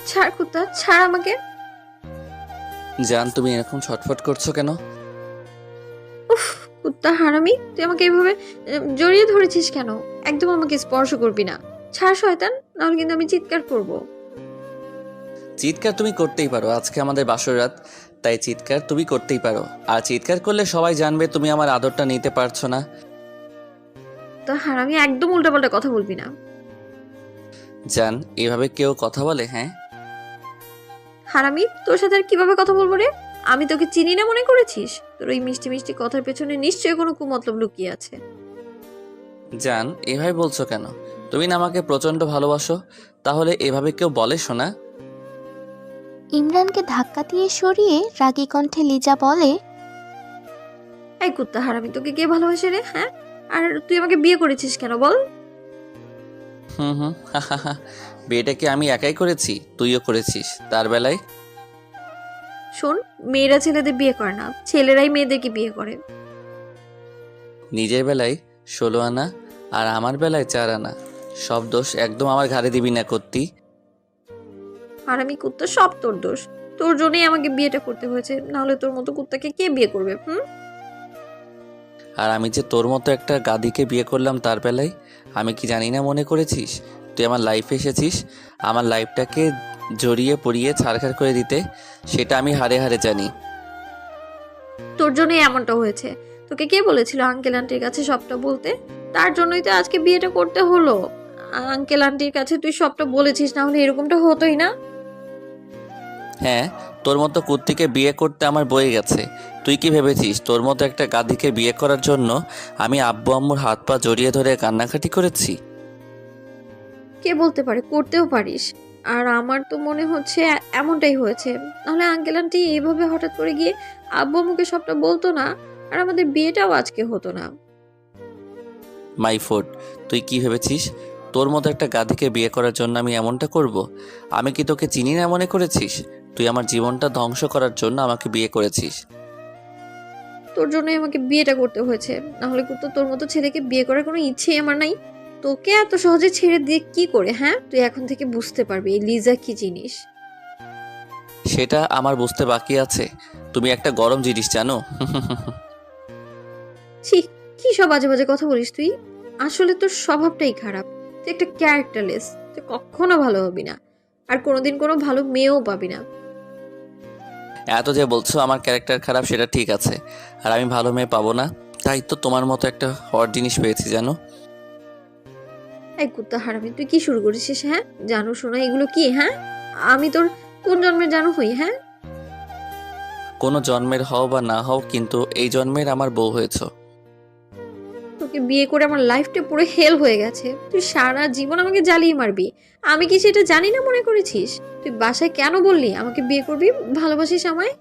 ছাড় কুত্তা, ছাড় আমাকে। জান, তুমি এরকম ছটফট করছো কেন? উফ, কুত্তা হারামি, তুই আমাকে এভাবে জড়িয়ে ধরেছিস কেন? একদম আমাকে স্পর্শ করবি না। ছাড় শয়তান, নাহলে কিন্তু আমি চিৎকার করব। চিৎকার তুমি করতেই পারো, আজকে আমাদের বাসর রাত, তাই চিৎকার তুমি করতেই পারো। আর চিৎকার করলে সবাই জানবে তুমি আমার আদরটা নিতে পারছো না। তা হারামি, একদম উল্টাপাল্টা কথা বলবি না। জান, এভাবে কেউ কথা বলে? হ্যাঁ, হারামি, তোর সাথে আর কিভাবে কথা বলবো রে? আমি তোকে চিনি না মনে করেছিস? তোর ওই মিষ্টি মিষ্টি কথার পেছনে নিশ্চয়ই কোনো কুমতলব লুকিয়ে আছে। জান এভাবে বলছো কেন? তুমি না আমাকে প্রচন্ড ভালোবাসো, তাহলে এভাবে কেউ বলে শোনা? ইমরানকে ধাক্কা দিয়ে সরিয়ে রাগী কণ্ঠে লিজা বলে, এই কুত্তা হারামি, তোকে কে ভালোবাসে রে? হ্যাঁ, আর তুই আমাকে বিয়ে করেছিস কেন বল? হুম হুম, হা। বিয়েটা কি আমি একাই করেছি? তুইও করেছিস তার বেলায়। শোন, মেয়েরা ছেলেদের বিয়ে করে না, ছেলেরাই মেয়েদেরকে বিয়ে করে। নিজের বেলায় 16 আনা আর আমার বেলায় 4 আনা, সব দোষ একদম আমার ঘাড়ে দিবি না করতি। হারামি কুত্তা, সব তোর দোষ। তোর জন্যই আমাকে বিয়েটা করতে হয়েছে, নাহলে তোর মতো কুত্তাকে কে বিয়ে করবে? আর আমি যে তোর মতো একটা গাদিকে বিয়ে করলাম তার বেলায়, আমি কি জানি না মনে করেছিস তুই আমার লাইফে এসেছিস আমার লাইফটাকে জড়িয়ে পড়িয়ে ছাড়খাড় করে দিতে? সেটা আমি হাড়ে হাড়ে জানি। তোর জন্যই এমনটা হয়েছে। তোকে কে বলেছিল আঙ্কেল আন্টির কাছে সবটা বলতে? তার জন্যই তো আজকে বিয়েটা করতে হলো। আঙ্কেল আন্টির কাছে তুই সবটা বলেছিস, না হলে এরকমটা হতোই না। হ্যাঁ, তোর মতো কুত্তিকে বিয়ে করতে আমার বয়ে গেছে। তুই কি ভেবেছিস তোর মতো একটা গাদিকে বিয়ে করার জন্য আমি আব্বু আম্মুর হাত পা জড়িয়ে ধরে কান্নাকাটি করেছি? কে বলতে পারে, করতেও পারিস। আর আমার তো মনে হচ্ছে এমনটাই হয়েছে। নাহলে আঙ্কেল আন্টি এইভাবে হঠাৎ করে গিয়ে আব্বু আম্মুকে সবটা বলতো না, আর আমাদের বিয়েটাও আজকে হতো না। মাই ফুড, তুই কি ভেবেছিস তোর মতো একটা গাধিকে বিয়ে করার জন্য আমি এমনটা করব? আমি কি তোকে চিনি না মনে করেছিস? তুই আমার জীবনটা ধ্বংস করার জন্য আমাকে বিয়ে করেছিস। তোর জন্যই আমাকে বিয়েটা করতে হয়েছে, না হলে কিন্তু তোর মতো ছেলেকে বিয়ে করার কোনো ইচ্ছেই আমার নাই। তোকে এত সহজে ছেড়ে দিয়ে কি করে? হ্যাঁ, তুই এখন থেকে বুঝতে পারবি এই লিজা কি জিনিস। সেটা আমার বুঝতে বাকি আছে। তুমি একটা গরম জিনিস জানো। ছি, কি সব বাজে বাজে কথা বলিস তুই। আসলে তোর স্বভাবটাই খারাপ। তুই একটা ক্যারেক্টারলেস। তুই কখনো ভালো হবি না, আর কোনোদিন কোনো ভালো মেয়েও পাবি না। এত যে বলছো আমার ক্যারেক্টার খারাপ, সেটা ঠিক আছে, আর আমি ভালো মেয়ে পাবো না, তাই তো তোমার মতো একটা হট জিনিস পেয়েছি জানো। এই কুত্তা হারামি, তুই কি শুরু করেছিস? হ্যাঁ, জানো শোনা এগুলো কি? হ্যাঁ, আমি তোর কোন জন্মের জানো হই? হ্যাঁ, কোনো জন্মের হও বা না হও, কিন্তু এই জন্মের আমার বউ হয়েছো। তোকে বিয়ে করে আমার লাইফটা পুরো হেল হয়ে গেছে। তুই সারা জীবন আমাকে জ্বালিয়ে মারবি, আমি কি সেটা জানি না মনে করেছিস? তুই বাসায় কেন বললি আমাকে বিয়ে করবি, ভালোবাসিস আমায়?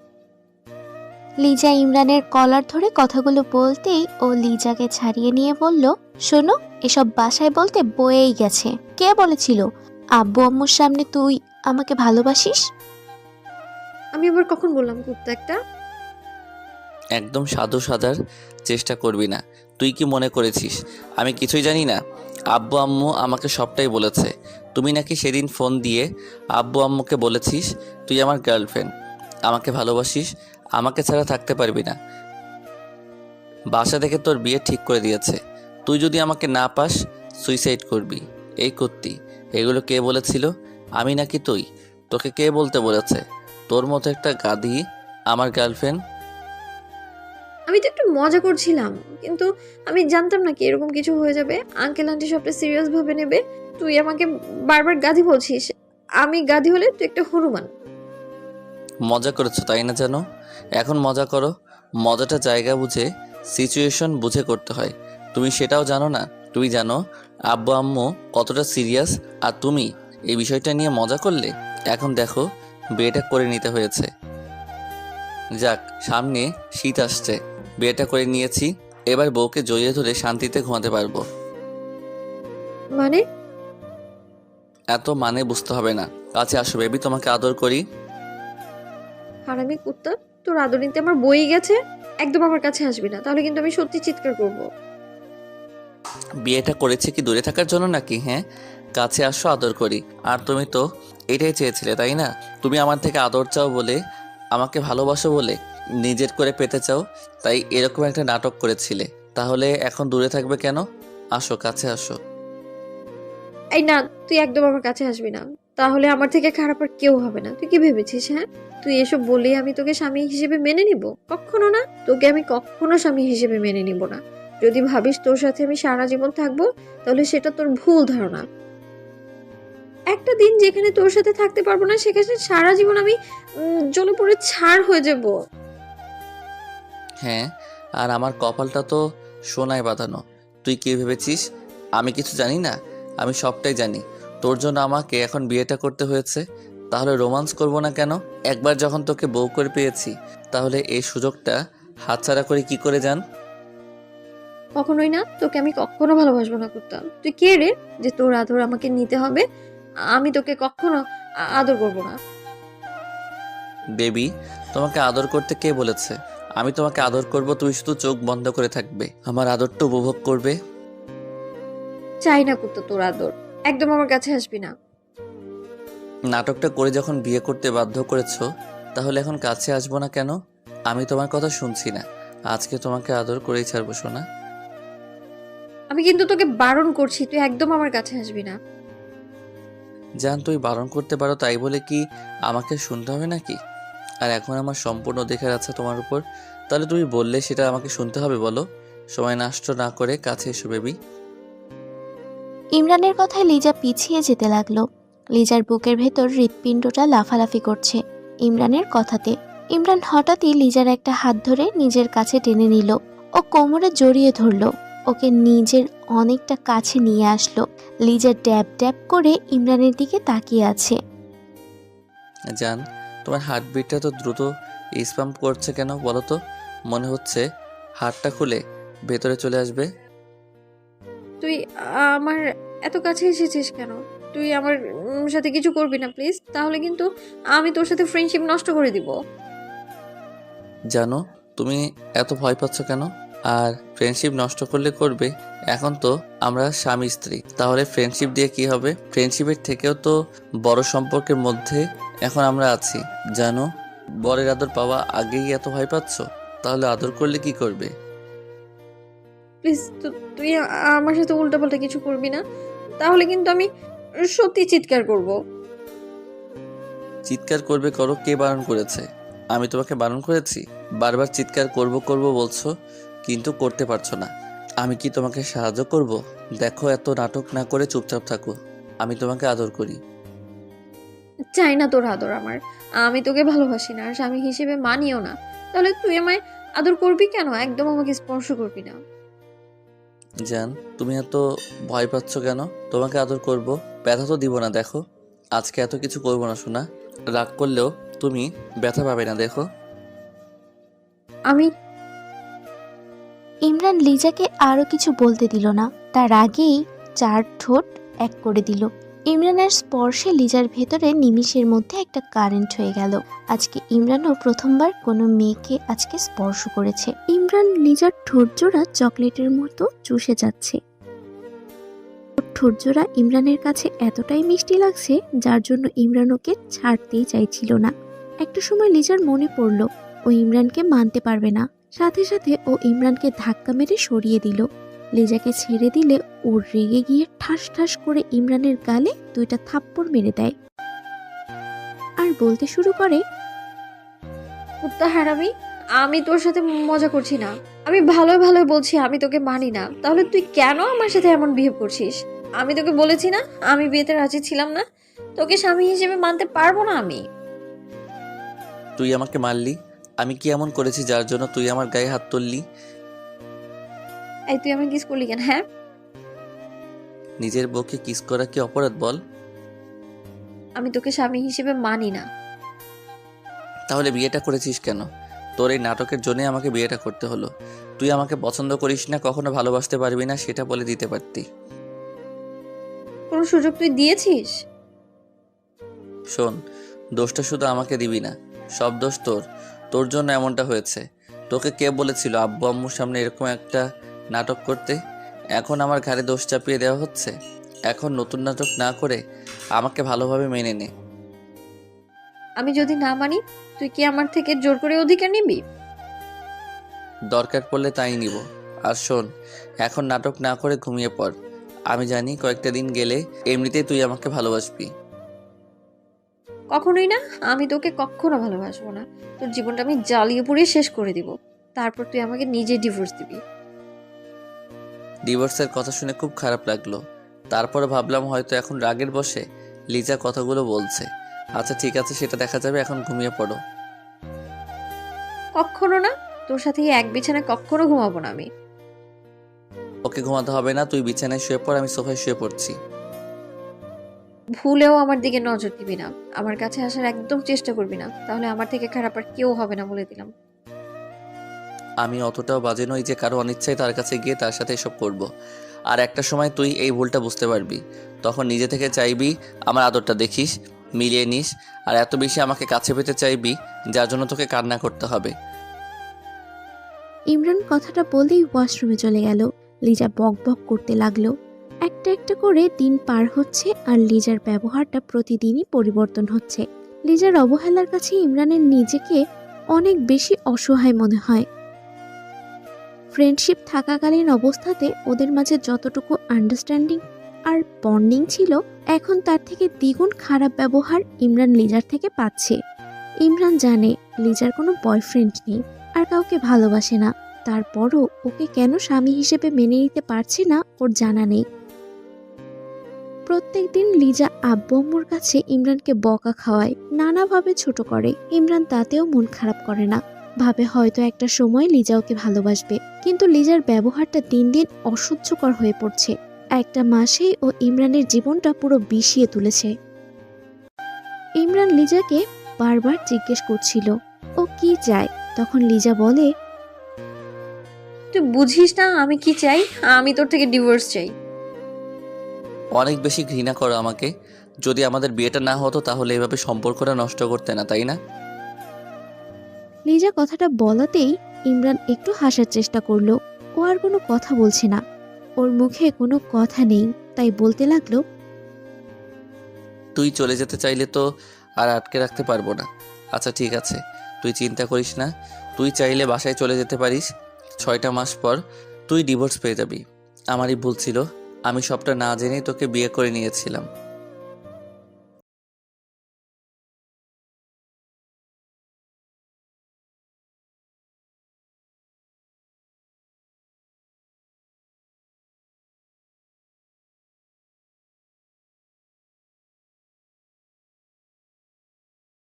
লিজা ইমরানের কলার ধরে কথাগুলো বলতেই ও লিজাকে ছাড়িয়ে নিয়ে বলল, শোনো, এসব বাসায় বলতে বয়েই গেছে। কে বলেছিল আব্বু আম্মুর সামনে তুই আমাকে ভালোবাসিস? আমি আবার কখন বললাম কুত্তা একটা? একদম সাধু সাজার চেষ্টা করবি না। তুই কি মনে করেছিস আমি কিছুই জানি না? আব্বু আম্মু আমাকে সবটাই বলেছে। তুমি নাকি সেদিন ফোন দিয়ে আব্বু আম্মুকে বলেছিস তুই আমার গার্লফ্রেন্ড, আমাকে ভালোবাসিস, আমাকে ছাড়া থাকতে পারবি না। বাসা থেকে তোর বিয়ে ঠিক করে দিয়েছে। তুই যদি আমাকে না পাস সুইসাইড করবি। এই করতি, এগুলো কে বলেছিল? আমি নাকি তুই? তোকে কে বলতে বলেছে তোর মতো একটা গাধি আমার গার্লফ্রেন্ড? আমি তো একটু মজা করছিলাম, কিন্তু আমি জানতাম না কি এরকম কিছু হয়ে যাবে। আঙ্কেল আন্টি সবটা সিরিয়াস ভাবে নেবে। তুই আমাকে বারবার গাধি বলছিস। আমি গাধি হলে তুই একটা হনুমান। মজা করেছো তাই না? জানো, এখন মজা করো। মজাটা জায়গা বুঝে, সিচুয়েশন বুঝে করতে হয়। তুমি সেটাও জানো না। তুমি জানো আব্বু আম্মু কতটা সিরিয়াস, আর তুমি এই বিষয়টা নিয়ে মজা করলে। এখন দেখো, বিয়েটা করে নিতে হয়েছে। যাক, সামনে শীত আসছে, বিয়েটা করে নিয়েছি, এবার বউকে জড়িয়ে ধরে শান্তিতে ঘুমাতে পারবো। মানে? এত মানে বুঝতে হবে না। কাছে আসো বেবি, তোমাকে আদর করি। হারামি কুত্তা, তোর আদর নিতে আমার বই গেছে। একদম আমার কাছে আসবি না, তাহলে কিন্তু আমি সত্যি চিৎকার করব। বিয়েটা করেছে কি দূরে থাকার জন্য নাকি? হ্যাঁ, কাছে আসো, আদর করি। আর তুমি তো এটাই চেয়েছিলে, তাই না? তুমি আমার থেকে আদর চাও বলে, আমাকে ভালোবাসো বলে, নিজের করে পেতে চাও, তাই এরকম একটা নাটক করেছিলে। তাহলে এখন দূরে থাকবে কেন? আসো, কাছে আসো। এই না, তুই একদম আমার কাছে আসবি না। তাহলে আমার থেকে খারাপ আর কেউ হবে না। তুই কি ভেবেছিস? হ্যাঁ, তুই এসব বললেই আমি তোকে স্বামী হিসেবে মেনে নিব? কখনো না, তোকে আমি কখনো স্বামী হিসেবে মেনে নিব না। যদি ভাবিস তোর সাথে আমি সারা জীবন থাকবো, তাহলে সেটা তোর ভুল ধারণা। একটা দিন যেখানে তোর সাথে থাকতে পারবো না, সেখানে সারা জীবন আমি জ্বলে পুড়ে ছাড় হয়ে যাব। হ্যাঁ, আর আমার কপালটা তো সোনায় বাঁধানো। তুই কি ভেবেছিস আমি কিছু জানি না? আমি সবটাই জানি। তোর জন্য আমাকে এখন বিয়েটা করতে হয়েছে। তাহলে রোমান্স করব না কেন? একবার যখন তোকে বউ করে পেয়েছি, তাহলে এই সুযোগটা হাতছাড়া করে কি করে যান? কখনোই না, তোকে আমি কখনো ভালোবাসবো না করতাম। তুই কে রে যে তোর আদর আমাকে নিতে হবে? আমি তোকে কখনো আদর করবো না। বেবি, তোমাকে আদর করতে কে বলেছে? আমি তোমাকে আদর করব, তুমি শুধু চোখ বন্ধ করে থাকবে, আমার আদরটা উপভোগ করবে। চাই না করতো তোর আদর, একদম আমার কাছে আসবি না। নাটকটা করে যখন বিয়ে করতে বাধ্য করেছো, তাহলে এখন কাছে আসবো না কেন? আমি তোমার কথা শুনছি না। আজকে তোমাকে আদর করেই ছাড়বো, সোনা। আমি কিন্তু তোকে বারণ করছি, তুই একদম আমার কাছে আসবি না। জান, তুই বারণ করতে পারো তাই বলে কি আমাকে শুনতে হবে নাকি? আর এখন আমার সম্পূর্ণ অধিকার আছে তোমার উপর। তাহলে তুমি বললে সেটা আমাকে শুনতে হবে, বলো। সময় নষ্ট না করে কাছে এসো, বেবি। ইমরানের কথায় লিজা পিছিয়ে যেতে লাগলো। লিজার বুকের ভেতর হৃৎপিণ্ডটা লাফালাফি করছে ইমরানের কথাতে। ইমরান হঠাৎই লিজার একটা হাত ধরে নিজের কাছে টেনে নিল ও কোমরে জড়িয়ে ধরল। ওকে নিজের অনেকটা কাছে নিয়ে আসলো। লিজা ড্যাব ড্যাব করে ইমরানের দিকে তাকিয়ে আছে। জান, তোমার হার্টবিটটা তো দ্রুত স্পাম্প করছে কেন বলো তো? মনে হচ্ছে হাড়টা খুলে ভেতরে চলে আসবে। তুই আমার এত কাছে এসেছিস কেন? তুই আমার সাথে কিছু করবি না প্লিজ, তাহলে কিন্তু আমি তোর সাথে ফ্রেন্ডশিপ নষ্ট করে দিব। জানো, তুমি এত ভয় পাচ্ছ কেন? আর ফ্রেন্ডশিপ নষ্ট করলে করবে। এখন তো আমরা স্বামী স্ত্রী, তাহলে ফ্রেন্ডশিপ দিয়ে কি হবে? ফ্রেন্ডশিপের থেকেও তো বড় সম্পর্কের মধ্যে এখন আমরা আছি। জানো, বরের আদর পাওয়া আগেই এত ভয় পাচ্ছ, তাহলে আদর করলে কি করবে? প্লিজ, তুই আমার সাথে উল্টাপাল্টা কিছু করবি না, তাহলে কিন্তু আমি সত্যি চিৎকার করব। চিৎকার করবে করো, কে বারণ করেছে? আমি তোমাকে বারণ করেছি? বারবার চিৎকার করব করব বলছো, কিন্তু করতে পারছো না। আমি কি তোমাকে সাহায্য করব? দেখো, এত নাটক না করে চুপচাপ থাকো। আমি তোমাকে আদর করি। চাই না তোর আদর আমার। আমি তোকে ভালোবাসি না, আর স্বামী হিসেবে মানিও না। তাহলে তুই আমায় আদর করবি কেন? একদম আমাকে স্পর্শ করবি না। জান, তুমি এত ভয় পাচ্ছ কেন? তোমাকে আদর করব, ব্যথা তো দিব না। দেখো, আজকে এত কিছু করবো না, শোনা। রাগ করলেও তুমি ব্যথা পাবে না, দেখো। আমি ইমরান লিজাকে আরো কিছু বলতে দিল না, তার আগেই চার ঠোঁট এক করে দিল। ইমরানের স্পর্শে লিজার ভেতরে নিমিষের মধ্যে একটা কারেন্ট হয়ে গেল। আজকে ইমরানও প্রথমবার কোনো মেয়েকে আজকে স্পর্শ করেছে। ইমরান লিজার ঠোঁটজোড়া চকলেটের মতো চুষে যাচ্ছে। ওর ঠোঁটজোড়া ইমরানের কাছে এতটাই মিষ্টি লাগছে, যার জন্য ইমরান ওকে ছাড়তেই চাইছিল না। একটা সময় লিজার মনে পড়ল ও ইমরানকে মানতে পারবে না। সাথে সাথে ও ইমরানকে ধাক্কা মেরে সরিয়ে দিল। লিজাকে ছেড়ে দিলে ও রেগে গিয়ে ঠাস ঠাস করে ইমরানের গালে দুইটা থাপ্পড় মেরে দেয় আর বলতে শুরু করে, কুত্তা হারামি, আমি তোর সাথে মজা করছি না। আমি ভালোই ভালোই বলছি আমি তোকে মানি না। তাহলে তুই কেন আমার সাথে এমন বিহেভ করছিস? আমি তোকে বলেছি না আমি বিয়েতে রাজি ছিলাম না? তোকে স্বামী হিসেবে মানতে পারবো না আমি। তুই আমাকে মারলি? আমি কি এমন করেছি যার জন্য তুই আমার গায়ে হাত তুললি? এই তুই আমাকে কিস করলি কেন? হ্যাঁ, নিজের বউকে কিস করা কি অপরাধ বল? আমি তোকে স্বামী হিসেবে মানি না। তাহলে বিয়েটা করেছিস কেন? তোর এই নাটকের জন্যই আমাকে বিয়েটা করতে হলো। তুই আমাকে পছন্দ করিস না, কখনো ভালোবাসতে পারবি না, সেটা বলে দিতে পারতি। কোনো সুযোগ তুই দিয়েছিস? শোন, দোষটা শুধু আমাকে দিবি না, সব দোষ তোর। তোর জন্য এমনটা হয়েছে। তোকে কে বলেছিল আব্বু আম্মুর সামনে এরকম একটা নাটক করতে? এখন আমার ঘাড়ে দোষ চাপিয়ে দেওয়া হচ্ছে। এখন নতুন নাটক না করে আমাকে ভালোভাবে মেনে নে। আমি যদি না মানি, তুই কি আমার থেকে জোর করে অধিকার নিবি? দরকার পড়লে তাই নিব। আর শোন, এখন নাটক না করে ঘুমিয়ে পড়। আমি জানি কয়েকটা দিন গেলে এমনিতেই তুই আমাকে ভালোবাসবি। কখনোই না। আমি তোকে কখনো ভালোবাসবো না। তোর জীবনটা আমি জ্বালিয়ে পুড়িয়ে শেষ করে দিব। তারপর তুই আমাকে নিজে ডিভোর্স দিবি। ডিভোর্সের কথা শুনে খুব খারাপ লাগলো। তারপরে ভাবলাম হয়তো এখন রাগের বশে লিজা কথাগুলো বলছে। আচ্ছা ঠিক আছে, সেটা দেখা যাবে, এখন ঘুমিয়ে পড়ো। কখনো না। তোর সাথে এই এক বিছানায় কখনো ঘুমাবো না আমি। ওকে ঘুমাতে হবে না, তুই বিছানায় শুয়ে পড়, আমি সোফায় শুয়ে পড়ছি। ভুলেও আমার দিকে নজর দিবি না। আমার কাছে আসার একদম চেষ্টা করবি না, তাহলে আমার থেকে খারাপ আর কেউ হবে না বলে দিলাম। আমি অতটাও বাজে নই যে কারো অনিচ্ছায় তার কাছে গিয়ে তার সাথে এসব করব। আর একটা সময় তুই এই ভুলটা বুঝতে পারবি, তখন নিজে থেকে চাইবি আমার আদরটা দেখিস, মিলিয়ে নিস, আর এত বেশি আমাকে কাছে পেতে চাইবি যার জন্য তোকে কান্না করতে হবে। ইমরান কথাটা বলেই ওয়াশরুমে চলে গেল। লিজা বক বক করতে লাগলো। একটা একটা করে দিন পার হচ্ছে আর লিজার ব্যবহারটা প্রতিদিনই পরিবর্তন হচ্ছে। লিজার অবহেলার কাছে ইমরানের নিজেকে অনেক বেশি অসহায় মনে হয়। ফ্রেন্ডশিপ থাকাকালীন অবস্থাতে ওদের মাঝে যতটুকু আন্ডারস্ট্যান্ডিং আর বন্ডিং ছিল, এখন তার থেকে দ্বিগুণ খারাপ ব্যবহার ইমরান লিজার থেকে পাচ্ছে। ইমরান জানে লিজার কোনো বয়ফ্রেন্ড নেই আর কাউকে ভালোবাসে না, তারপরও ওকে কেন স্বামী হিসেবে মেনে নিতে পারছে না ওর জানা নেই। প্রত্যেকদিন লিজা আব্বু আম্মুর কাছে ইমরানকে বকা খাওয়ায়, নানাভাবে ছোট করে। ইমরান তাতেও মন খারাপ করে না, ভাবে হয়তো একটা সময় লিজা ওকে ভালোবাসবে। কিন্তু লিজার ব্যবহারটা দিন দিন অসহ্যকর হয়ে পড়ছে। একটা মাসেই ও ইমরানের জীবনটা পুরো বিষিয়ে তুলেছে। ইমরান লিজাকে বারবার জিজ্ঞেস করছিল ও কি চায়। তখন লিজা বলে, তুই বুঝিস না আমি কি চাই? আমি তোর থেকে ডিভোর্স চাই। অনেক বেশি ঘৃণা করো আমাকে। যদি আমাদের বিয়েটা না হতো তাহলে এভাবে সম্পর্কটা নষ্ট করতে না, তাই না? লিজা কথাটা বলাতেই ইমরান একটু হাসার চেষ্টা করলো। ও আর কোনো কথা বলছে না, ওর মুখে কোনো কথা নেই, তাই বলতে লাগলো, তুই চলে যেতে চাইলে তো আর আটকে রাখতে পারবো না। আচ্ছা ঠিক আছে, তুই চিন্তা করিস না। তুই চাইলে বাসায় চলে যেতে পারিস। 6টা মাস পর তুই ডিভোর্স পেয়ে যাবি। আমারই ভুল ছিল, আমি সবটা না জেনেই তোকে বিয়ে করে নিয়েছিলাম।